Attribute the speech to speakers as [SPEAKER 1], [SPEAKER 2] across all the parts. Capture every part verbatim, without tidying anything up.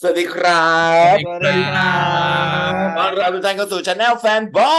[SPEAKER 1] วัสดีครับ
[SPEAKER 2] สวัสดี
[SPEAKER 3] สวัส
[SPEAKER 2] ครั
[SPEAKER 3] ดีครับ
[SPEAKER 1] ต้อน
[SPEAKER 2] บ
[SPEAKER 1] รับทุกท่านเข้าสู่ช anel แฟนบอย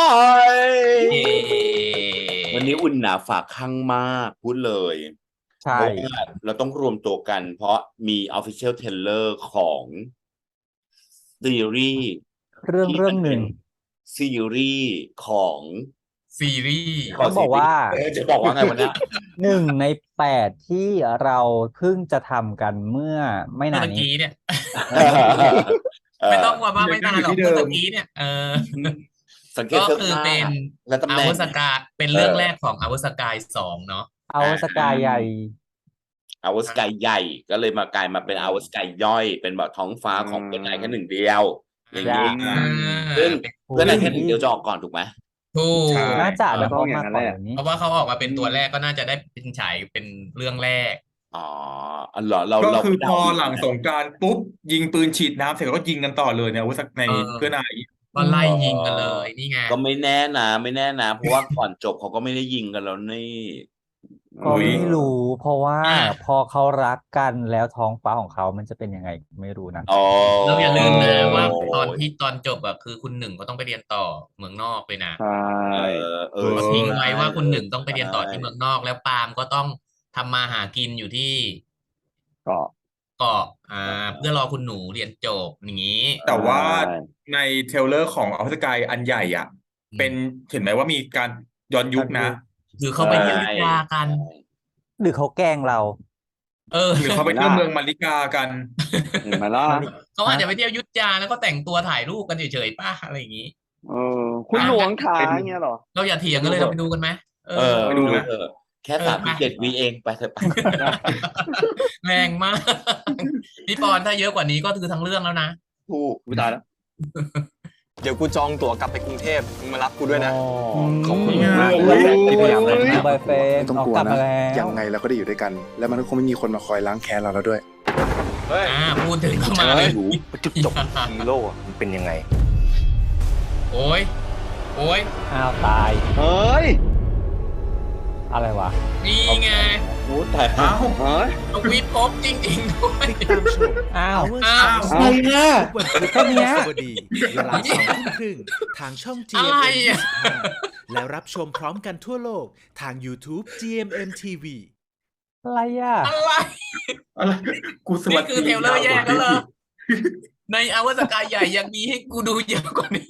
[SPEAKER 2] เย้
[SPEAKER 1] วันนี้อุ่นหนาฝากข้างมากพูดเลย
[SPEAKER 3] ใช่
[SPEAKER 1] เพราะว่าเราต้องรวมตัวกันเพราะมี official trailer ของซีรีส์
[SPEAKER 3] เรื่อง
[SPEAKER 1] ที่
[SPEAKER 3] เรื่
[SPEAKER 1] มันเป็น
[SPEAKER 3] องหนึ่ง
[SPEAKER 1] ซีรีส์ของ
[SPEAKER 2] ซีรีส์
[SPEAKER 1] ขอ
[SPEAKER 3] ต้อง
[SPEAKER 1] ซีรีส์
[SPEAKER 3] บอกว่า
[SPEAKER 1] เออจะบอกว่าไงวันเนี้ย
[SPEAKER 3] หนึ่งในแปดที่เราเพิ่งจะทำกันเมื่อไม่
[SPEAKER 2] เมื่อ
[SPEAKER 3] นานนี้
[SPEAKER 2] ตะกี้เนี่ย
[SPEAKER 1] เออเอ
[SPEAKER 2] ไม่
[SPEAKER 1] อ
[SPEAKER 2] ต้องว่าว่าไม่นานหรอกเมื่อตะกี้เนี่ยเออ
[SPEAKER 1] สังเกต
[SPEAKER 2] ก็
[SPEAKER 1] เสื้อผ้า
[SPEAKER 2] คือเป็น
[SPEAKER 1] และตำ
[SPEAKER 2] อา
[SPEAKER 1] แหน่ง
[SPEAKER 2] วุธสกาเป็น
[SPEAKER 1] เอ
[SPEAKER 2] เรื่อง
[SPEAKER 1] อ
[SPEAKER 2] แรกของอาวุธสกายสองเนาะ
[SPEAKER 3] เอา
[SPEAKER 1] อ่า
[SPEAKER 3] สกายใหญ่
[SPEAKER 1] อวสกายใหญ่ก็เลยมากลายมาเป็นอวสกายย่อยเป็นแบบท้องฟ้า
[SPEAKER 4] อื
[SPEAKER 1] ของเพื่อนนายแค่ห
[SPEAKER 4] ม
[SPEAKER 1] นึ่งเดียวอย่าง
[SPEAKER 3] จะ
[SPEAKER 1] นี้
[SPEAKER 2] อ่า
[SPEAKER 1] ซึ่ง
[SPEAKER 2] เป็น
[SPEAKER 3] โอ้
[SPEAKER 1] เพื่อนนายแค่หนึ่ง
[SPEAKER 3] พี่
[SPEAKER 1] พี่เดียวจะออกก่อนถูกไหม
[SPEAKER 2] ถู
[SPEAKER 4] ใช่
[SPEAKER 2] ก
[SPEAKER 3] น่าจะ
[SPEAKER 2] เออ
[SPEAKER 3] นะเพราะ
[SPEAKER 4] ก็ต้องอย่าง
[SPEAKER 3] มาก่อน
[SPEAKER 4] นั้นแหละ
[SPEAKER 3] แบบนี้
[SPEAKER 2] เพราะว่าเขาออกมาเป็นตัว
[SPEAKER 4] อืม
[SPEAKER 2] แรกก็น่าจะได้เป็นฉายเป็นเรื่องแรก
[SPEAKER 1] อ๋ออ๋อเหรอเรา
[SPEAKER 4] ก็
[SPEAKER 1] เรา
[SPEAKER 4] คือพอ
[SPEAKER 1] เดาอยู่
[SPEAKER 4] หลัง
[SPEAKER 1] ใช่ไหม
[SPEAKER 4] สงกรานต์ปุ๊บยิงปืนฉีดน้ำเสร็จแล้วก็ยิงกันต่อเลยเนี่ยอาวุธใน
[SPEAKER 2] เออ
[SPEAKER 4] เพื่อนนาย
[SPEAKER 2] ก็ไล่
[SPEAKER 1] เอ
[SPEAKER 2] ยิงกันเล
[SPEAKER 1] อ
[SPEAKER 2] ยนี่ไง
[SPEAKER 1] ก็ไม่แน่นะไม่แน่นะเพราะว่าก่อนจบเขาก็ไม่ได้ยิงกันแล้วนี่เอ
[SPEAKER 3] ก็
[SPEAKER 4] อุ้ย
[SPEAKER 3] ไม่รู้
[SPEAKER 1] อ
[SPEAKER 3] เพราะว่า
[SPEAKER 2] อ่ะ
[SPEAKER 3] พอเขารักกันแล้วท้องฟ้าของเขามันจะเป็นยังไงไม่รู้นะ
[SPEAKER 1] อ๋อ
[SPEAKER 2] เราอย่าลืมนะว่า
[SPEAKER 4] เออ
[SPEAKER 2] ตอนที่ตอนจบอะคือคุณหนึ่งก็ต้องไปเรียนต่อเมืองนอกเลยนะ
[SPEAKER 4] ใช่
[SPEAKER 1] เออเอ
[SPEAKER 4] เอ
[SPEAKER 1] อ
[SPEAKER 2] เขาทิ้ง
[SPEAKER 1] ใช่
[SPEAKER 2] ไว้ว่า
[SPEAKER 1] เออ
[SPEAKER 2] คุณหนึ่งต้องไป
[SPEAKER 1] ใช่
[SPEAKER 2] เรียนต่อที่เมืองนอกแล้วปาล์มก็ต้องทำมาหากินอยู่ที่
[SPEAKER 4] ก็
[SPEAKER 2] เกาะอ่าเพื่อรอคุณหนูเรียนจบอย่างนี้
[SPEAKER 4] แต่
[SPEAKER 1] ใช
[SPEAKER 4] ว่า
[SPEAKER 1] ่
[SPEAKER 4] ในเทรลเลอร์ของอาวุธสกายอันใหญ่อ่ะเป็น
[SPEAKER 2] อืม
[SPEAKER 4] เห็นไหมว่ามีการย้อนยุคนะ
[SPEAKER 3] ทันยุ
[SPEAKER 2] คือ
[SPEAKER 1] ใช่
[SPEAKER 2] เขาไปเที่ยวยุทธยากัน
[SPEAKER 1] ใช่
[SPEAKER 3] หรือเขาแกล้งเรา
[SPEAKER 2] เออ
[SPEAKER 4] หรือเขาไป
[SPEAKER 1] เห็นไหมล่ะ
[SPEAKER 4] เที่ยวเมืองมาริกากัน
[SPEAKER 1] เห็นไหมล่ะ
[SPEAKER 3] มาริ
[SPEAKER 2] เขาอาจ
[SPEAKER 3] ฮะ
[SPEAKER 2] จะไปเที่ยวยุทธยาแล้วก็แต่งตัวถ่ายรูปกันเฉยๆป่ะอะไรอย่างนี้
[SPEAKER 4] เออคุณ
[SPEAKER 2] อ่ะงั้น
[SPEAKER 4] หลวงขาเงี้ยเหรอ
[SPEAKER 2] เราอย่าเถีย
[SPEAKER 1] ไป
[SPEAKER 2] งกันเลยเรา
[SPEAKER 1] ดูเถอะ
[SPEAKER 2] ไปดูกันไหมเออ
[SPEAKER 1] เออ
[SPEAKER 4] ไปดูไหม
[SPEAKER 1] ดูเถอะแค่
[SPEAKER 2] เออไป
[SPEAKER 1] สามสิบเจ็ดวิเองไปเถอะไป
[SPEAKER 4] ได้
[SPEAKER 2] แรงมากพี่ปอนถ้าเยอะกว่านี้ก็คือทั้งเรื่องแล้วนะ
[SPEAKER 1] ถูก
[SPEAKER 4] อุ๊ยตายแล้ว
[SPEAKER 5] เดี๋ยวกูจองตั๋วกลับไปกรุงเทพมึงมารับกูด้วยนะ
[SPEAKER 3] อืม
[SPEAKER 5] ขอบคุณ
[SPEAKER 2] นี่ไง
[SPEAKER 5] มาก
[SPEAKER 4] อุ๊ย
[SPEAKER 3] ขยับเลยนะบอยเฟ
[SPEAKER 6] ไม่
[SPEAKER 3] น
[SPEAKER 6] ต้อง
[SPEAKER 3] ออก
[SPEAKER 6] กลัว
[SPEAKER 3] กลับ
[SPEAKER 6] นะ
[SPEAKER 3] มาแล้ว
[SPEAKER 6] ยังไงเราก็ได้อยู่ด้วยกัน แล้วมันก็คงไม่มีคนมาคอยล้างแค้นเราแล้วด้วย
[SPEAKER 5] เฮ้ย
[SPEAKER 2] อ่าพูดถึงเข้ามาเลย
[SPEAKER 5] จุดจบฮีโร่อะมันเป็นยังไง
[SPEAKER 2] โอ้ยโอ้ย
[SPEAKER 3] อ้าวตาย
[SPEAKER 4] เฮ้ย
[SPEAKER 3] อะไรวะ
[SPEAKER 2] นี่ไง
[SPEAKER 1] โอ้ตาย
[SPEAKER 4] เอ้าเฮ้ย
[SPEAKER 2] ทวิตพบจริงๆด้วย
[SPEAKER 7] ติดตามชม
[SPEAKER 3] อ้าว
[SPEAKER 7] Hours
[SPEAKER 2] อ้าว
[SPEAKER 7] of
[SPEAKER 1] อะไรนะ
[SPEAKER 7] ทุกวันศุกร์
[SPEAKER 3] แค่เนี้ย
[SPEAKER 7] และสวัสดีเวลาสองทุ่มครึ่งทางช่อง
[SPEAKER 2] อะไร
[SPEAKER 7] จี เอ็ม เอ็ม
[SPEAKER 2] อ่ะ
[SPEAKER 7] ยี่สิบห้าและรับชมพร้อมกันทั่วโลกทาง YouTube จี เอ็ม เอ็ม ที วี
[SPEAKER 3] อะไรอ่ะ
[SPEAKER 2] อะไร
[SPEAKER 4] อะไรกูสวั
[SPEAKER 2] นี่
[SPEAKER 4] ส
[SPEAKER 2] คือ
[SPEAKER 4] ดี
[SPEAKER 2] เทรลเลอร์แยกแล้วเหรอ
[SPEAKER 4] ยาวกว่า
[SPEAKER 2] ในอวสกายใหญ่ยังมีให้กูดูเยอะกว่านี้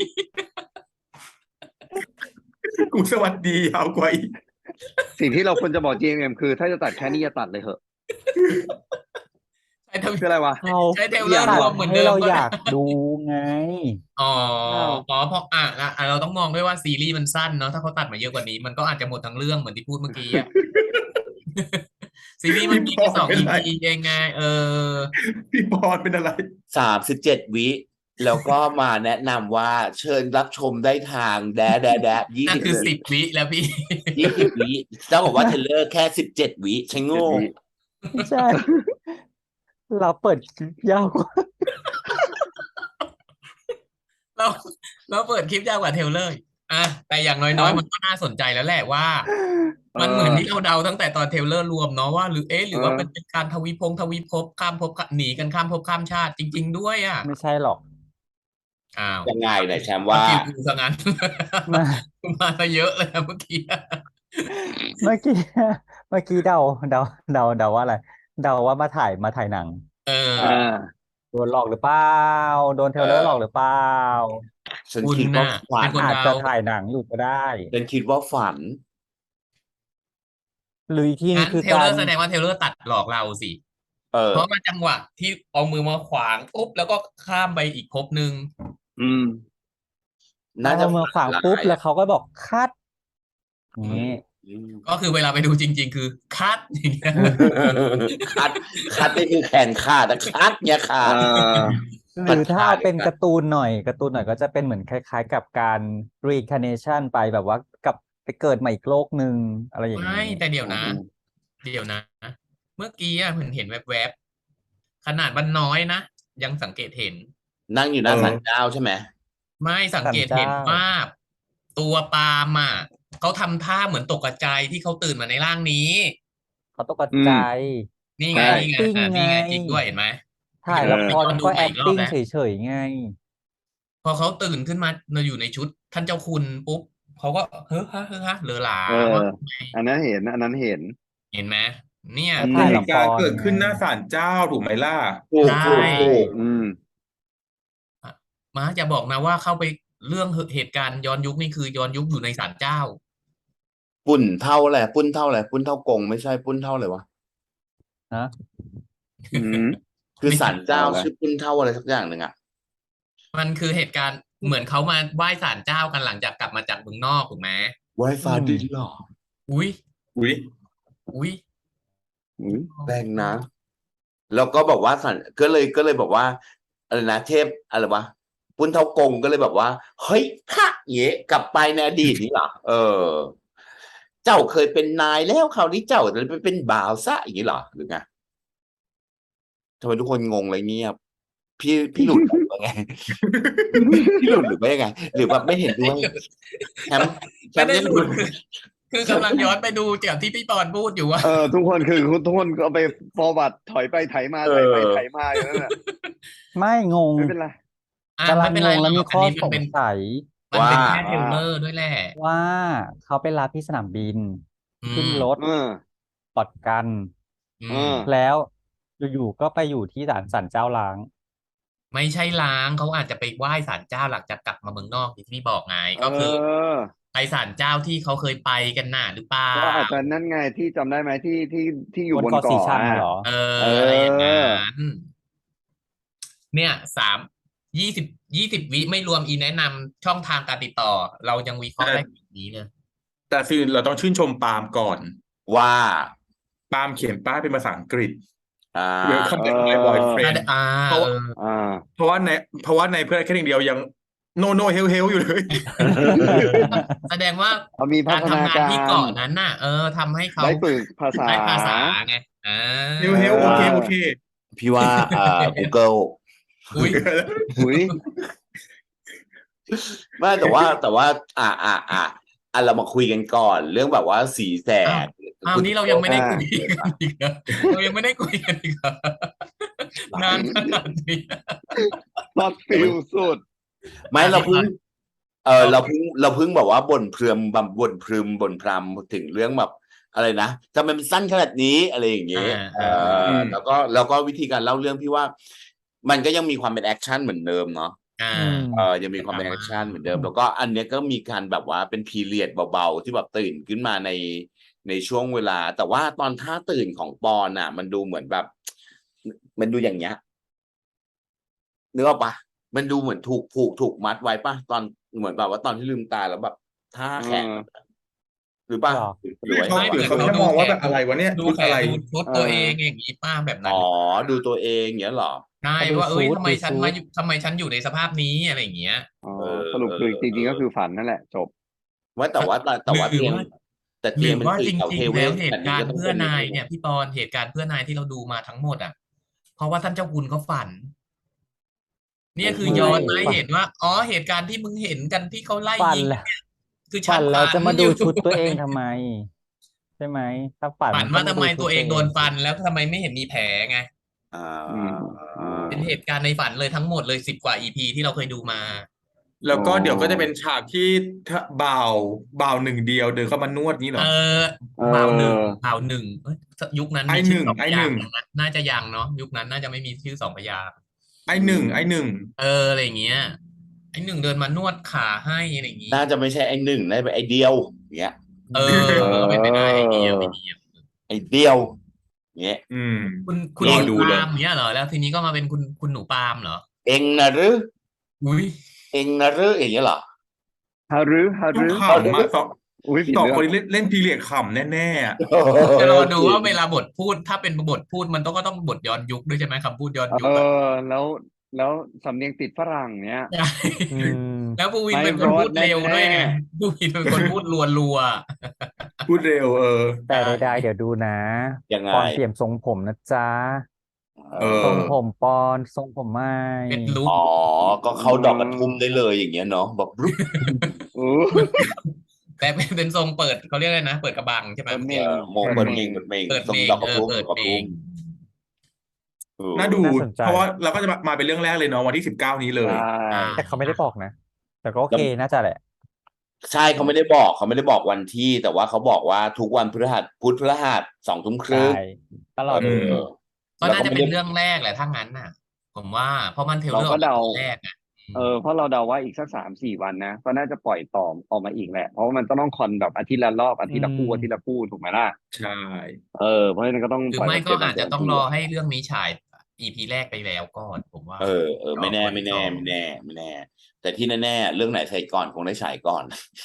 [SPEAKER 4] กูสวัสดียาวกว่าอีก
[SPEAKER 8] สิ่งที่เราควรจะบอก จี เอ็ม เอ็ม คือถ้าจะตัดแค่นี้อย่าตัดเลยเหอะ
[SPEAKER 2] ใช้ทวิ
[SPEAKER 8] คืออะไรวะ
[SPEAKER 3] เขา
[SPEAKER 2] ใช้เทรลเลอร์
[SPEAKER 3] ตั
[SPEAKER 2] ร
[SPEAKER 3] ด
[SPEAKER 2] วมเหมือน
[SPEAKER 3] ให้
[SPEAKER 2] เดิม
[SPEAKER 3] เรา
[SPEAKER 2] ก็
[SPEAKER 3] อ
[SPEAKER 2] ได้
[SPEAKER 3] ยากดูไง
[SPEAKER 2] อ๋อ
[SPEAKER 8] อ้าว
[SPEAKER 2] อ๋อเพราะอ่ะอ่ะอ่ะเราต้องมองด้วยว่าซีรีส์มันสั้นเนาะถ้าเขาตัดมาเยอะกว่านี้มันก็อาจจะหมดทั้งเรื่องเหมือนที่พูดเมื่อกี้อะ ซีรีส์มันมี
[SPEAKER 4] พี่
[SPEAKER 2] แค่
[SPEAKER 4] ป
[SPEAKER 2] ส
[SPEAKER 4] อ
[SPEAKER 2] อน ง
[SPEAKER 4] เป็น
[SPEAKER 2] อี
[SPEAKER 4] ไร
[SPEAKER 2] พีเองไงเออ
[SPEAKER 4] พี่ปอนเป็นอะไร
[SPEAKER 1] สามสิบเจ็ดวิแล้วก็มาแนะนำว่าเชิญรับชมได้ทางแดดแดดแดดยี่
[SPEAKER 2] นั่น
[SPEAKER 1] สิบ
[SPEAKER 2] คือสิบวิแล้วพี่
[SPEAKER 1] ยี่สิบวิเจ้าบอกว่าเทรลเลอร์แค่สิบเจ็ดวิใช่โง่
[SPEAKER 3] ไม่ใช่ เราเปิดคลิปยาวกว่า
[SPEAKER 2] เราเราเปิดคลิปยาวกว่าเทรลเลอร์อ่ะแต่อย่างน้อยๆมันก็น่าสนใจแล้วแหละว่า มันเหมือนที่เราเดาตั้งแต่ตอนเทรลเลอร์รวมเนาะว่าหรือเอ๊ะหรือว่ามันเป็นการทวีพงทวีภพข้ามภพหนีกันข้ามภพข้ามชาติจริง ๆ ด้วยอ่ะ
[SPEAKER 3] ไม่ใช่หรอก
[SPEAKER 2] อ้าว
[SPEAKER 1] ยังไงไหนแชมป์
[SPEAKER 2] ว่า
[SPEAKER 1] ว่า
[SPEAKER 2] ฟิลกูซะงั้น
[SPEAKER 3] มา
[SPEAKER 2] มาซะเยอะเลยนะเมื่อกี้
[SPEAKER 3] เมื่อกี้เมื่อกี้เดาเดาเดาเดาว่าอะไร เดาว่ามาถ่ายมาถ่ายหนัง
[SPEAKER 2] เออ
[SPEAKER 8] อ่า
[SPEAKER 3] โดนหลอกหรือเปล่าโดนเทรลเลอร์หลอกหรือเปล่า
[SPEAKER 1] ฉัน
[SPEAKER 2] คุณ
[SPEAKER 1] คิดว่า
[SPEAKER 2] น่ะ
[SPEAKER 1] ฝั
[SPEAKER 2] เป็น นคน
[SPEAKER 3] อาจ
[SPEAKER 2] เดา
[SPEAKER 3] จะถ่ายหนังอยู่ก็ได้
[SPEAKER 1] ฉันคิดว่าฝัน
[SPEAKER 3] หรืออีกทีนึ
[SPEAKER 2] งั้
[SPEAKER 3] ง
[SPEAKER 2] น
[SPEAKER 3] คือ
[SPEAKER 2] เทรล
[SPEAKER 3] กา
[SPEAKER 2] เลอ
[SPEAKER 3] ร
[SPEAKER 2] ร์แสดงว่าเทรลเลอร์ตัดหลอกเราสิ
[SPEAKER 1] เออ
[SPEAKER 2] เพราะว่าจังหวะที่เอามือมาขวางปุ๊บแล้วก็ข้ามไปอีกภพหนึ่ง
[SPEAKER 8] อืม
[SPEAKER 1] น่าจะ
[SPEAKER 3] เอามือขวาง
[SPEAKER 1] ฝัน
[SPEAKER 3] ปุ๊บ
[SPEAKER 1] ร้าย
[SPEAKER 3] แล้วเขาก็บอกคัดนี้
[SPEAKER 1] อืม
[SPEAKER 2] ก็คือเวลาไปดูจริง ๆ คือคัดอย่างเงี้ย
[SPEAKER 1] คัดคัดนี่คือแขนขาดแต่คัดเนี่ยขาด
[SPEAKER 8] เอ่อ
[SPEAKER 3] หรือถ้าเอาเป็น
[SPEAKER 1] ปัญหา
[SPEAKER 3] การ์ตูนหน่อยการ์ตูนหน่อยก็จะเป็นเหมือนคล้ายๆ กับการ reincarnation ไปแบบว่ากลับไปเกิดใหม่อีกโลกหนึ่งอะไรอย่าง
[SPEAKER 2] ไม่
[SPEAKER 3] นี้
[SPEAKER 2] แต่เดี๋ยวนะ เดี๋ยวนะ เมื่อกี้อะเห็นเห็นแวบๆขนาดมันน้อยนะยังสังเกตเห็น
[SPEAKER 1] นั่งอยู่หน้า
[SPEAKER 4] เออ
[SPEAKER 1] ศาลเจ้าใช่ไหม
[SPEAKER 2] ไม่สังเกตเห็น
[SPEAKER 3] ศาลเจ้า
[SPEAKER 2] ว่าตัวปาล์มอ่ะเขาทำท่าเหมือนตกใจที่เขาตื่นมาในร่างนี้
[SPEAKER 3] เขาตก
[SPEAKER 8] อืม
[SPEAKER 3] ใจ
[SPEAKER 2] นี่ไง
[SPEAKER 8] ใช่
[SPEAKER 2] นี่ไง
[SPEAKER 3] ติ้ง
[SPEAKER 2] อ่ะนี่ไง
[SPEAKER 3] ไง
[SPEAKER 2] จริงด้วยเห็นไหม
[SPEAKER 3] ถ่าย
[SPEAKER 2] เห็น
[SPEAKER 3] ละ
[SPEAKER 2] ไป
[SPEAKER 3] คร
[SPEAKER 2] ย้อ
[SPEAKER 3] มัน น
[SPEAKER 2] ดู
[SPEAKER 3] ก็
[SPEAKER 2] ใหม่อีกรอบ
[SPEAKER 3] acting
[SPEAKER 2] แล้ว
[SPEAKER 3] เฉยๆไง
[SPEAKER 2] พอเขาตื่นขึ้นมาอยู่ในชุดท่านเจ้าคุณปุ๊บเขาก็เฮ้อฮะเฮ้อฮะเลอหลา
[SPEAKER 8] เออ
[SPEAKER 2] ว่า
[SPEAKER 8] อันนั้นเห็น อันนั้นเห็น
[SPEAKER 2] เห็นไหมเนี่ย
[SPEAKER 3] แล้ว
[SPEAKER 4] แต่
[SPEAKER 3] ถ่าย
[SPEAKER 4] เห
[SPEAKER 3] ละ
[SPEAKER 4] ตุ
[SPEAKER 3] ค
[SPEAKER 4] การณ์
[SPEAKER 3] ร
[SPEAKER 4] เกิดขึ้นห
[SPEAKER 3] ไง
[SPEAKER 4] น้าศาลเจ้าถูกไหมล่ะ
[SPEAKER 1] ถูก
[SPEAKER 2] ใช่
[SPEAKER 1] ถูกถูก
[SPEAKER 8] อืม
[SPEAKER 2] มาจะบอกนะว่าเข้าไปเรื่องเหตุการณ์ย้อนยุคนี่คือย้อนยุคอยู่ในศาลเจ้า
[SPEAKER 1] ปุ่นเท่าอะไรปุ้นเท่าอะไรปุ้นเท่ากงไม่ใช่ปุ้นเท่าอะไรวะ
[SPEAKER 3] ฮะ
[SPEAKER 8] อืม
[SPEAKER 1] คือ
[SPEAKER 2] ไม่
[SPEAKER 1] ศาลเจ้า
[SPEAKER 8] เอาละ
[SPEAKER 1] ชื่อปุ้นเท่าอะไรสักอย่างหนึ่งอ่ะ
[SPEAKER 2] มันคือเหตุการณ์เหมือนเขามาไหว้ศาลเจ้ากันหลังจากกลับมาจากเมืองนอกถูกไหม
[SPEAKER 1] ไวฟ้า
[SPEAKER 3] อืม
[SPEAKER 1] ดินเหรอ
[SPEAKER 2] อุ้ย
[SPEAKER 4] อุ้ย
[SPEAKER 2] อุ้ย
[SPEAKER 8] อืม
[SPEAKER 1] แรงนะ แล้วก็บอกว่าสันก็เลยก็เลยบอกว่าอะไรนะเทพอะไรวะปุ้นเท่ากงก็เลยแบบว่าเฮ้ยค่ะเย่กลับไปในอดีตนี่เหรอเออ เจ้าเคยเป็นนายแล้วคราวนี้เจ้าจะไปเป็นบ่าวซะอย่างนี้เหรอหรือไงทำไมทุกคนงงเลยเงียบพี่พี่หลุดหรือว่าไง พี่หลุดหรือไม่ยังไง หรือแบบไม่เห็นด้วยแชมป์แช
[SPEAKER 2] ไม่
[SPEAKER 1] มป์
[SPEAKER 2] ได้
[SPEAKER 1] ยัง
[SPEAKER 2] หลุด คือกำลังย้อนไปดูจากที่พี่ปอนพูดอยู่ว่า
[SPEAKER 8] เออ ทุกคนคือทุกคนก็เอาไป forward ถอยไปไถมา
[SPEAKER 1] เอ
[SPEAKER 8] ถอยไป
[SPEAKER 1] อ
[SPEAKER 8] ไถมาอย่างนั้นแหละ
[SPEAKER 3] ไม่งง
[SPEAKER 8] ไม่เป็นไร
[SPEAKER 2] อ่ะ
[SPEAKER 3] กำลั
[SPEAKER 2] ไม่
[SPEAKER 3] ง
[SPEAKER 2] เป็น
[SPEAKER 3] ง
[SPEAKER 2] ไรง หร
[SPEAKER 3] แล้ว
[SPEAKER 2] อ
[SPEAKER 3] มี
[SPEAKER 2] กอัน
[SPEAKER 3] ข้อ
[SPEAKER 2] นี้
[SPEAKER 3] ส
[SPEAKER 2] มัน
[SPEAKER 3] ง
[SPEAKER 2] เป็น
[SPEAKER 3] สัย
[SPEAKER 2] มันเป็น
[SPEAKER 1] ว่า
[SPEAKER 2] แค่เทรลเลอร์ด้วยแหละ
[SPEAKER 3] ว่าเขาไปรับที่สนามบิน
[SPEAKER 2] อื
[SPEAKER 3] ขึ้น
[SPEAKER 2] ม
[SPEAKER 3] รถ
[SPEAKER 8] เออ
[SPEAKER 3] ปลอดกัน
[SPEAKER 2] อื
[SPEAKER 8] เอ
[SPEAKER 2] ม
[SPEAKER 8] อ
[SPEAKER 3] แล้วอยู่ๆก็ไปอยู่ที่ศาลศาลเจ้าล้าง
[SPEAKER 2] ไม่ใช่ล้างเขาอาจจะไปไหว้ศาลเจ้าหลังจากกลับมาเมืองนอกที่พี่บอกไง
[SPEAKER 8] เอ
[SPEAKER 2] ก็คือ
[SPEAKER 8] อ
[SPEAKER 2] ไปศาลเจ้าที่เขาเคยไปกันน่ะหรือเปล่า
[SPEAKER 8] ก็อาจจะนั่นไงที่จำได้ไหมที่ที่ที่อยู่
[SPEAKER 3] บบ น
[SPEAKER 8] น
[SPEAKER 3] เกาะสี
[SPEAKER 8] เกาะ
[SPEAKER 3] ชัง
[SPEAKER 8] อ่ะ
[SPEAKER 3] อะเหรอ
[SPEAKER 2] เอ
[SPEAKER 8] เอ
[SPEAKER 2] อ อะไรอย่างนั้
[SPEAKER 8] อ
[SPEAKER 2] น เนี่ยสามยี่สิบยี่สิบวิไม่รวมอีแนะนำช่องทางการติดต่อ เรายังวิเคราะห์
[SPEAKER 4] แต่
[SPEAKER 2] ได้แบบนี้เลย
[SPEAKER 4] แต่คือเราต้องชื่นชมปาล์มก่อน
[SPEAKER 1] ว่า
[SPEAKER 4] ปาล์มเขียนป้ายเป็นภาษาอังกฤษ
[SPEAKER 1] อ่า
[SPEAKER 4] Welcome
[SPEAKER 8] เอ
[SPEAKER 4] back my
[SPEAKER 8] อ
[SPEAKER 4] boyfriend
[SPEAKER 2] อ่า
[SPEAKER 4] เพราะ
[SPEAKER 2] เอ
[SPEAKER 4] ว่า
[SPEAKER 2] อ
[SPEAKER 8] อ่า
[SPEAKER 4] เพราะว่าในเพราะว่าในเพื่อนแค่หนึ่งเดียวยัง no no hell hell อยู่เลย
[SPEAKER 2] แสดงว่า
[SPEAKER 8] เขามีพั
[SPEAKER 2] การ
[SPEAKER 8] ฒนา
[SPEAKER 2] ทำงาน
[SPEAKER 8] กา
[SPEAKER 2] ที่
[SPEAKER 8] ร
[SPEAKER 2] เกาะนั้นน่ะ เออทำให้เขา
[SPEAKER 8] ได้ฝึกภาษา
[SPEAKER 2] ได้ภาษาไงอ่า
[SPEAKER 4] hell hell โอเคโอเค
[SPEAKER 1] พี่ว่าอ่า Google
[SPEAKER 2] อุ้ย
[SPEAKER 8] อุ้ย
[SPEAKER 1] ไม่แต่ว่าแต่ว่า อ่าอ่าอ่าอ่ะเรามาคุยกันก่อน เรื่องแบบว่าสีแส
[SPEAKER 2] อ้าว
[SPEAKER 1] ด
[SPEAKER 2] อ้าวนี่เรายังไม่ได้
[SPEAKER 8] อ่า
[SPEAKER 2] คุยกันอีกเหรอเรายังไม่ได้คุยกันอีกเหรอนานขนาดนี้
[SPEAKER 8] ช็อตฟิลสุด
[SPEAKER 1] ไม่
[SPEAKER 2] อ่ะ
[SPEAKER 1] เราเพิ่ง เออ
[SPEAKER 2] เอา
[SPEAKER 1] เราเพิ่งเราเพิ่งแบบว่าบ่นเพรื่มแบบบ่นพรึมบ่นพรำถึงเรื่องแบบอะไรนะทำไมมันสั้นขนาดนี้อะไรอย่างเงี้ย
[SPEAKER 2] อ่า
[SPEAKER 1] เอ
[SPEAKER 2] อ่า
[SPEAKER 1] อแล้วก็แล้วก็วิธีการเล่าเรื่องพี่ว่า มันก็ยังมีความเป็นแอคชั่นเหมือนเดิมเนาะ
[SPEAKER 2] อ่า
[SPEAKER 3] อืม
[SPEAKER 1] เออยังมีความเป็นแอคชั่นเหมือนเดิม แล้วก็อันเนี้ยก็มีการแบบว่าเป็นพีเรียดเบาๆที่แบบตื่นขึ้นมาในในช่วงเวลา แต่ว่าตอนท่าตื่นของปอนอ่ะ มันดูเหมือนแบบ มันดูอย่างเงี้ยนึกออกปะมันดูเหมือนถูกผูกถูกมัดไว้ปะตอนเหมือนแบบว่าตอนที่ลืมตาแล้วแบบท่าแขน
[SPEAKER 8] เออ
[SPEAKER 1] หรือปะ
[SPEAKER 3] หรอ
[SPEAKER 1] หรือว่า
[SPEAKER 4] เขา
[SPEAKER 2] ไม่
[SPEAKER 4] หรือ
[SPEAKER 2] แต่
[SPEAKER 4] เขา
[SPEAKER 2] เขา
[SPEAKER 4] แค่
[SPEAKER 2] ดู
[SPEAKER 4] มองว่า
[SPEAKER 2] แข
[SPEAKER 4] แบ
[SPEAKER 2] น
[SPEAKER 4] บอะไรวะเนี่ย
[SPEAKER 2] ดู
[SPEAKER 4] ชุด
[SPEAKER 2] แข
[SPEAKER 4] อะ
[SPEAKER 2] น
[SPEAKER 4] ไร
[SPEAKER 2] ดูชุดตัวเองอย่างนี้ป้าแบบนั้น
[SPEAKER 1] อ๋อดูตัวเองอย่างเงี้ยเหรอ
[SPEAKER 2] ใช่
[SPEAKER 3] เขาดู
[SPEAKER 2] ว่าเอ้ย
[SPEAKER 3] ชุด
[SPEAKER 2] ทำไม
[SPEAKER 3] ดู
[SPEAKER 2] ฉัน
[SPEAKER 3] ชุ
[SPEAKER 2] มา
[SPEAKER 3] ด
[SPEAKER 2] อยู่ทำไมฉันอยู่ในสภาพนี้อะไรอย่างเงี้ย
[SPEAKER 8] อ๋อ
[SPEAKER 1] เออ
[SPEAKER 8] สรุปคือจริงๆก็คือฝันนั่นแหละ จบ
[SPEAKER 1] ว่าแต่ว่าแต่แต่ว่า
[SPEAKER 2] หรือ
[SPEAKER 1] เตียง
[SPEAKER 2] ว่า
[SPEAKER 1] แต่
[SPEAKER 2] ห
[SPEAKER 1] เตี
[SPEAKER 2] รื
[SPEAKER 1] ยง
[SPEAKER 2] อ
[SPEAKER 1] มัน
[SPEAKER 2] ว่า
[SPEAKER 1] คือ
[SPEAKER 2] จ
[SPEAKER 1] เสา
[SPEAKER 2] ริ
[SPEAKER 1] เท
[SPEAKER 2] ง ๆ
[SPEAKER 1] เว
[SPEAKER 2] แล้ว
[SPEAKER 1] ศ
[SPEAKER 2] เห
[SPEAKER 1] ข
[SPEAKER 2] ตุ
[SPEAKER 1] นาดนี้
[SPEAKER 2] การ
[SPEAKER 1] ก็
[SPEAKER 2] ณ์
[SPEAKER 1] ต้อง
[SPEAKER 2] เพื่อ
[SPEAKER 1] เป็น
[SPEAKER 2] นาย
[SPEAKER 1] อย่าง
[SPEAKER 2] เนี่ยพี่ปอนเหตุการณ์เพื่อนายที่เราดูมาทั้งหมดอ่ะ เพราะว่าท่านเจ้าคุณเขาฝัน เนี่ยคือ
[SPEAKER 3] ไม่
[SPEAKER 2] ย้อนมาให้
[SPEAKER 3] ฝัน
[SPEAKER 2] เห็นว่าอ๋อเหตุการณ์ที่มึงเห็นกันที่เขาไล่
[SPEAKER 3] ฝัน
[SPEAKER 2] ยิง
[SPEAKER 3] แล้ว
[SPEAKER 2] เนี่ยคือฉั
[SPEAKER 3] ฝั
[SPEAKER 2] น
[SPEAKER 3] นแล้ว
[SPEAKER 2] ฝัน
[SPEAKER 3] จะมา
[SPEAKER 2] อ
[SPEAKER 3] ดู
[SPEAKER 2] ยู่
[SPEAKER 3] ชุดตัวเองทำไม ใช่ไหม ถ้าฝัน
[SPEAKER 2] ฝั
[SPEAKER 3] มัน นก็
[SPEAKER 2] ว่า
[SPEAKER 3] มา
[SPEAKER 2] ทำ
[SPEAKER 3] ดู
[SPEAKER 2] ไม
[SPEAKER 3] ชุ
[SPEAKER 2] ตั
[SPEAKER 3] ด
[SPEAKER 2] วเอ
[SPEAKER 3] ตัว
[SPEAKER 2] ง
[SPEAKER 3] เอ
[SPEAKER 2] โด
[SPEAKER 3] ง
[SPEAKER 2] นฟันแล้วทำไมไม่เห็นมีแผลไง
[SPEAKER 1] อ่า
[SPEAKER 8] อืม
[SPEAKER 1] อ่า
[SPEAKER 2] เป็นเหตุการณ์ในฝันเลยทั้งหมดเลยสิบกว่า อี พี ที่เราเคยดูมา
[SPEAKER 4] แล้วก็
[SPEAKER 8] อ๋อ
[SPEAKER 4] เดี๋ยวก็จะเป็นฉากที่ถ้าบ่าวบ่าวหนึ่งเดียวเดินเข้ามานวดนี้เหร
[SPEAKER 2] เอ
[SPEAKER 4] อ
[SPEAKER 2] อ
[SPEAKER 8] เอ
[SPEAKER 2] บ่าวหนึ่ง
[SPEAKER 8] อ
[SPEAKER 2] บ่าวหนึ่งเอ้ยยุคนั้น
[SPEAKER 4] ไอ
[SPEAKER 2] มี
[SPEAKER 4] ห
[SPEAKER 2] ชื่
[SPEAKER 4] นึ่
[SPEAKER 2] อง สอง
[SPEAKER 4] ไอ
[SPEAKER 2] พ
[SPEAKER 4] ห
[SPEAKER 2] ยาง
[SPEAKER 4] นึ่ง
[SPEAKER 2] ค์ยังนะน่าจะยังเนาะยุคนั้นน่าจะไม่มีชื่อสองพยางค์
[SPEAKER 4] ไอหนึ่งไอหนึ่ง
[SPEAKER 2] เอออะไรอย่างเงี้ยไอ้หนึ่งเดินมานวดขาให้อะไรอย่างงี้
[SPEAKER 1] น่าจะไม่ใช่ไอ้หนึ่งน่าจะเป็นไอ้เดียวอย่างเงี้ย
[SPEAKER 2] เออก็เป็นไปได้ไอเดียไอเดีย
[SPEAKER 1] ไอ้เดียวอย่างเงี้ย
[SPEAKER 4] อืม
[SPEAKER 2] คุณคุณ
[SPEAKER 4] ร
[SPEAKER 2] ห
[SPEAKER 4] อ
[SPEAKER 2] นู
[SPEAKER 4] ดู
[SPEAKER 2] ปา
[SPEAKER 4] เลย
[SPEAKER 2] ล์มเนี้ยเหรอแล้วทีนี้ก็มาเป็นคุณคุณหนูปาล์มเหรอ
[SPEAKER 1] เองนะหรือ
[SPEAKER 2] อุ้ย
[SPEAKER 1] เองนะหรืออย่างเงี้ยเหรอ
[SPEAKER 8] ฮารุฮา
[SPEAKER 4] ต้อง
[SPEAKER 8] รุ
[SPEAKER 4] ขำมาสอง
[SPEAKER 8] อุ้ยผิด
[SPEAKER 4] สอง
[SPEAKER 8] เรื่อง
[SPEAKER 4] คนนี้เล่นเล่นพีเรียดขำแน่ๆอะ
[SPEAKER 2] จะรอดูว่าเวลาบทพูดถ้าเป็นบทพูดมันต้องก็ต้องบทย้อนยุคด้วยใช่ไหมคำพูดย้อนยุ
[SPEAKER 8] เอ
[SPEAKER 2] คอะ
[SPEAKER 8] อ แล้วแล้วสำเนียงติดฝรั่งเนี้ย
[SPEAKER 2] ใช่
[SPEAKER 3] อืม
[SPEAKER 2] แล้วภูวิน
[SPEAKER 8] ไม่
[SPEAKER 2] เป็นคนพูด
[SPEAKER 8] รอดแน่
[SPEAKER 2] เร็วด้วยไงภูวินเป็นคนพูดรัว
[SPEAKER 4] พูดเร็วเออ
[SPEAKER 3] แต่ใดๆเดี๋ยวดูนะ
[SPEAKER 1] ยังไง
[SPEAKER 3] ปอนเปลี่ยนทรงผมนะจ๊ะ
[SPEAKER 4] เออ
[SPEAKER 3] ทรงผมปอนทรงผมไม่
[SPEAKER 2] ๆเป็นลุค
[SPEAKER 1] อ๋อ ก็เข้าดอกกระทุ่มได้เลยอย่างเงี้ยเนาะแบบรุบ
[SPEAKER 8] อู้
[SPEAKER 2] แต่เป็นเป็นทรงเปิดเขาเรียกอะไรนะ เปิดกระบังใช่ไหม
[SPEAKER 8] เปิดเม
[SPEAKER 1] เอง อโมง
[SPEAKER 8] เปิ
[SPEAKER 1] เปิ
[SPEAKER 8] ด
[SPEAKER 1] ด
[SPEAKER 8] เม
[SPEAKER 1] เม
[SPEAKER 8] ง
[SPEAKER 1] งเปิดเมง
[SPEAKER 2] เปิด
[SPEAKER 1] ทรง
[SPEAKER 2] เมง
[SPEAKER 1] ดอกกระ
[SPEAKER 2] เออ
[SPEAKER 1] ทุ่ม
[SPEAKER 2] เปิด
[SPEAKER 1] ดอกกระ
[SPEAKER 2] เม
[SPEAKER 1] ทุ่
[SPEAKER 2] ง
[SPEAKER 1] มเออ
[SPEAKER 4] น่าดู
[SPEAKER 3] น่าสนใจ
[SPEAKER 4] เพราะว่าเราก็จะมามาเป็นเรื่องแรกเลยเนาะวันที่สิบเก้านี้เลย
[SPEAKER 8] ใช่
[SPEAKER 2] อ่า
[SPEAKER 3] แต่เขาไม่ได้บอกนะ แต่ก็โอเคน่าจะแหละ
[SPEAKER 1] ใช่เขาไม่ได้บอกเขาไม่ได้บอกวันที่ แต่ว่าเขาบอกว่าทุกวันพฤหัสพุธพฤหัสสองทุ่มครึ่ง
[SPEAKER 3] ใช่ตลอด
[SPEAKER 1] เอ
[SPEAKER 3] ดู
[SPEAKER 1] อ
[SPEAKER 2] ก็
[SPEAKER 1] แล้ว
[SPEAKER 2] น่า
[SPEAKER 1] ก็
[SPEAKER 2] จะ
[SPEAKER 1] ไม่
[SPEAKER 2] เป็
[SPEAKER 1] ได้
[SPEAKER 2] นเรื่องแรกแหละถ้างั้นน่ะ ผมว่าเพราะมันเทรล
[SPEAKER 8] เรา
[SPEAKER 2] เลอร์อ
[SPEAKER 8] ก็
[SPEAKER 2] อกมา
[SPEAKER 8] เดา
[SPEAKER 2] ตอนแรกอ่ะ
[SPEAKER 8] เออเพราะเราเดาว่าอีกสักสามสี่วันนะก็น่าจะปล่อยต่อออกมาอีกแหละ เพราะว่ามันต้องต้องคอนแบบอาทิตย์ละรอบอาทิตย์ละคู่
[SPEAKER 3] อืม
[SPEAKER 8] อาทิตย์ละคู่ถูกไหมล่ะ
[SPEAKER 4] ใช่
[SPEAKER 8] เออเพราะฉะนั้นก็ต้อง
[SPEAKER 2] หรือ
[SPEAKER 8] ปล่อย
[SPEAKER 2] ไม่
[SPEAKER 8] แบบ
[SPEAKER 2] ก็
[SPEAKER 8] เจ็ดวัน
[SPEAKER 2] อาจ
[SPEAKER 8] เจ็
[SPEAKER 2] จะ
[SPEAKER 8] ดวัน
[SPEAKER 2] ต้อง
[SPEAKER 8] คู่
[SPEAKER 2] รอ
[SPEAKER 8] อะ
[SPEAKER 2] ให้เรื่องนี้ฉาย อี พี แรกไปแล้วก่อน ผมว่า
[SPEAKER 1] เออเออ
[SPEAKER 2] รอ
[SPEAKER 1] ไม่แน่
[SPEAKER 2] ปล่อย
[SPEAKER 1] ไม่
[SPEAKER 2] ต่
[SPEAKER 1] แน่
[SPEAKER 2] อ
[SPEAKER 1] ไม่แน่ ไม่แน่ ไม่แน่ แต่ที่แน่ ๆ เรื่องไหนใส่ก่อนคงได้ฉายก่อน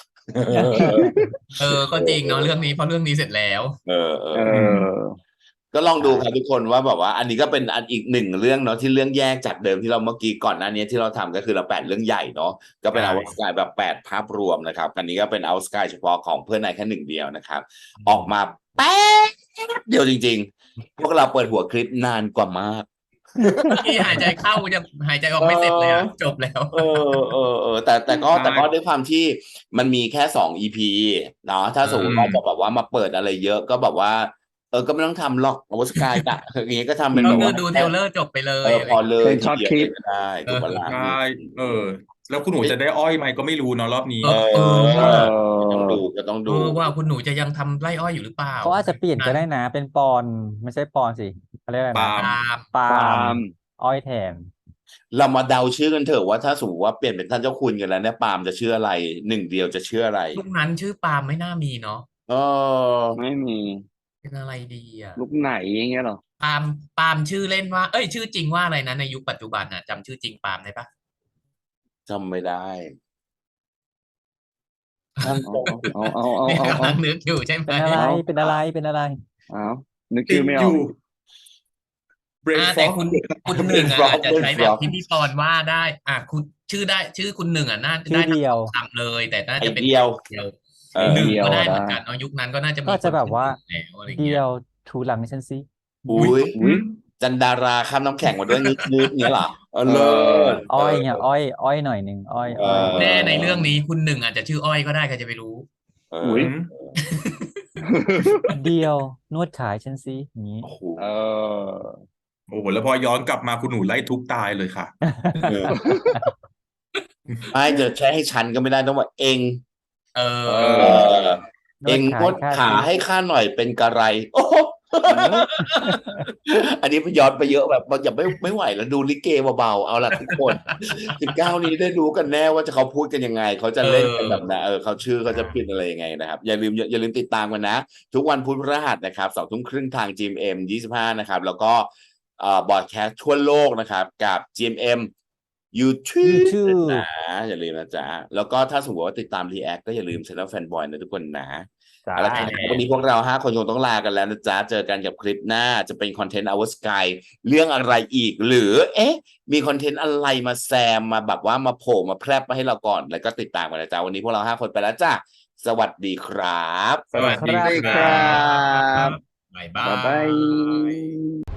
[SPEAKER 2] เออ ก็จริงเนาะเรื่องนี้เพราะเรื่องนี้เสร็จแล้ว
[SPEAKER 1] เออ เอ
[SPEAKER 8] เอ
[SPEAKER 1] อ
[SPEAKER 8] อ
[SPEAKER 1] ก็ลองดู
[SPEAKER 8] ใช่
[SPEAKER 1] ครับทุกคนว่าแบบว่า อันนี้ก็เป็นอันอีกหนึ่งเรื่องเนาะที่เรื่องแยกจากเดิมที่เราเมื่อกี้ก่อนหน้านี้ที่เราทำก็คือเราแปดเรื่องใหญ่เนาะก็เป็น
[SPEAKER 2] ใช่
[SPEAKER 1] เอาสกายแบบแปดภาพรวมนะครับอันนี้ก็เป็นเอาสกายเฉพาะของเพื่อนนายแค่หนึ่งเดียวนะครับ ออกมาแป๊บเดียวจริง ๆ พวกเราเปิดหัวคลิปนานกว่ามาก
[SPEAKER 2] ที่หายใจเข้ายังหายใจออกไม่เสร็จเลยอะจบแล้ว
[SPEAKER 1] เออเออเออแต่แต่ก็
[SPEAKER 4] ใช่
[SPEAKER 1] แต่ก็ด้วยความที่มันมีแค่สอง อี พี เนาะถ้าสมมติว่า
[SPEAKER 4] อืม
[SPEAKER 1] จะแบบว่ามาเปิดอะไรเยอะก็แบบว่า เออก็ไม่ต้องทำหรอกอวสกายอะ อย่างงี้ก็ทำเป็น
[SPEAKER 2] ก็
[SPEAKER 1] แบบ
[SPEAKER 2] คือ
[SPEAKER 1] ว่า
[SPEAKER 2] ดูเทรลเลอร์จบไปเล
[SPEAKER 1] เอย อ
[SPEAKER 2] อะไร
[SPEAKER 1] พอเลย
[SPEAKER 8] เป็นช็อต
[SPEAKER 1] ที
[SPEAKER 8] คลิ
[SPEAKER 1] เดียว
[SPEAKER 8] ป
[SPEAKER 1] ก็ได้ถูกปะล่ะ
[SPEAKER 4] ใช่เออ แล้วคุณหนูจะได้อ้อยไหมก็ไม่รู้เนาะรอบนี้
[SPEAKER 2] เอ
[SPEAKER 1] เอ
[SPEAKER 2] อ
[SPEAKER 1] อ
[SPEAKER 2] เออว่า
[SPEAKER 1] ก็ต้องดูก็ต้อง
[SPEAKER 2] เอ
[SPEAKER 1] ดู
[SPEAKER 2] อว่าคุณหนูจะยังทำไร่อ้อยอยู่หรือเปล่า
[SPEAKER 3] เขาอาจจะเปลี่ยนก็ได้นะ เป็นปอนไม่ใช่ปอนสิเขาเรียกอะไร
[SPEAKER 4] ปา
[SPEAKER 3] นะ
[SPEAKER 4] ล์ม
[SPEAKER 2] ตาม
[SPEAKER 3] ปา
[SPEAKER 8] ปา
[SPEAKER 3] ล์
[SPEAKER 8] ล์
[SPEAKER 3] ม
[SPEAKER 8] ม
[SPEAKER 3] อ้อยแทน
[SPEAKER 1] เรามาเดาชื่อกันเถอะว่าถ้าสมมติว่าเปลี่ยนเป็นท่านเจ้าคุณกันแล้วเนี่ยปาล์มจะชื่ออะไรหนึ่งเดียวจะชื่ออะไร
[SPEAKER 2] ลูกนั้นชื่อปาล์มไม่น่ามีเนาะ
[SPEAKER 1] เออ
[SPEAKER 8] ไม่มี
[SPEAKER 2] เป็นอะไรดีอ่ะ
[SPEAKER 8] ลูกไหนอย่างเงี้ยเหรอ
[SPEAKER 2] ปาล์มปาล์มชื่อเล่นว่า เอ้ย ชื่อจริงว่าอะไรนะในยุคปัจจุบันน่ะจำชื่อจริงปาล์มได้ปะ
[SPEAKER 1] จำไม่ได้ท่าน
[SPEAKER 8] เอาเอาเอา
[SPEAKER 2] นี่
[SPEAKER 8] เอาเอา
[SPEAKER 2] กำลังนึกอยู่ใช่ไหม
[SPEAKER 3] เป็นอะไร
[SPEAKER 8] เอา
[SPEAKER 3] เป็นอะไร เป็นอะไร
[SPEAKER 8] เอานึก
[SPEAKER 4] ติ
[SPEAKER 8] ชื่
[SPEAKER 4] ด
[SPEAKER 8] อไม่อ
[SPEAKER 4] อ
[SPEAKER 8] อก
[SPEAKER 4] ยู่เบร
[SPEAKER 2] อ่า
[SPEAKER 4] ฟ
[SPEAKER 2] แต่
[SPEAKER 4] อก
[SPEAKER 2] คุณคุณหนึ่งอ่ะอาจจะใช้แบบที่พี่ปอนว่าได้ อ่ะคุณชื่อได้ชื่อคุณหนึ่งอ่ะน่า
[SPEAKER 3] ชื่อ
[SPEAKER 2] ได้ทั้ง
[SPEAKER 3] เดียว
[SPEAKER 2] สองคำเลย แต่น่า
[SPEAKER 1] ไอ
[SPEAKER 2] จะเป็น
[SPEAKER 1] เดียว
[SPEAKER 2] เดียว
[SPEAKER 1] เออ
[SPEAKER 2] หนึ่ง
[SPEAKER 8] เดียว
[SPEAKER 2] ก็ได้
[SPEAKER 8] ได้
[SPEAKER 2] เหมือนกันเนาะยุคนั้นก็น่าจะมี
[SPEAKER 3] ก็จะแบบว่า
[SPEAKER 2] คนชื่อหนึ่งแล้วอะไร
[SPEAKER 3] เดี
[SPEAKER 2] เงี้
[SPEAKER 3] ย
[SPEAKER 2] ยว
[SPEAKER 3] ถูหลังฉันสิ
[SPEAKER 1] อุ้ย
[SPEAKER 8] อุ๊ย
[SPEAKER 1] จันดาราข้ามน้ำแข็งมาด้วยนิดนิดเนี้ยเหรอเออ
[SPEAKER 8] เอ
[SPEAKER 1] เลิ
[SPEAKER 8] อ
[SPEAKER 1] ศ
[SPEAKER 3] อ้อยเนี่ยอ้อย อ้อยหน่อยหนึ่งอ้อย
[SPEAKER 1] เอ
[SPEAKER 3] อ้อย
[SPEAKER 1] อ
[SPEAKER 2] แน่ในเรื่องนี้คุณหนึ่งอาจจะชื่ออ้อยก็ได้ใครจะไปรู้
[SPEAKER 1] เอ
[SPEAKER 8] อุ๊
[SPEAKER 1] อย
[SPEAKER 3] เดียวนวดขายฉันสิอย่างนี้
[SPEAKER 1] โอ้โห
[SPEAKER 8] เออ
[SPEAKER 4] โอ้โหแล้วพอย้อนกลับมาคุณหนูไล่ทุบตายเลยค่ะ
[SPEAKER 1] เออไม่จะใช้ให้ฉันก็ไม่ได้ต้องว่าเอง
[SPEAKER 2] เออ
[SPEAKER 8] เอ
[SPEAKER 1] เอ
[SPEAKER 8] อ
[SPEAKER 1] อ
[SPEAKER 3] น
[SPEAKER 1] เอ
[SPEAKER 3] วด
[SPEAKER 1] ง
[SPEAKER 3] ขาน
[SPEAKER 1] วย ด
[SPEAKER 3] ข้า
[SPEAKER 1] ขา
[SPEAKER 3] สิ
[SPEAKER 1] ให้ข้าหน่อยเป็นกระไร โอ้โหอันนี้ย้อนไปเยอะแบบอย่าไม่ไม่ไหวแล้วดูลิเกเบาๆเอาล่ะทุกคนสิบเก้านี้ได้รู้กันแน่ว่าจะเขาพูดกันยังไง เขาจะเล่นกันแบบไหนเออเขาชื่อเขาจะพิดอะไรยังไงนะครับ อย่าลืมอย่าลืมติดตามกันนะ ทุกวันพุธพฤหัสนะครับสองทุ่มครึ่งทาง จี เอ็ม เอ็ม ยี่สิบห้านะครับ แล้วก็เอ่อบอดแคสต์ทั่วโลกนะครับ กับ จี เอ็ม เอ็ม YouTube
[SPEAKER 3] YouTube
[SPEAKER 1] นะอย่าลืมนะจ๊ะแล้วก็ถ้าสมมติว่าติดตาม React ก็อย่าลืม Channel Fanboy นะทุกคนนะ
[SPEAKER 3] จ้า
[SPEAKER 1] เอาละครับวันนี้พวกเราห้าคนคงต้องลากันแล้วนะจ๊ะ เจอกันกับคลิปหน้าจะเป็นคอนเทนต์ Our Sky เรื่องอะไรอีก หรือ เอ๊ะ มีคอนเทนต์อะไรมาแซมมาแบบว่ามาโผล่มาแพร่มาให้เราก่อน แล้วก็ติดตามกันนะจ๊ะ วันนี้พวกเราห้าคนไปแล้วจ้ะ สวัสดีครับ
[SPEAKER 4] สวัสดี
[SPEAKER 8] สวัสดี
[SPEAKER 4] ค
[SPEAKER 8] ค
[SPEAKER 4] รั
[SPEAKER 8] รับ บ
[SPEAKER 2] บ๊ายบา
[SPEAKER 8] บ๊ายบาย
[SPEAKER 2] ย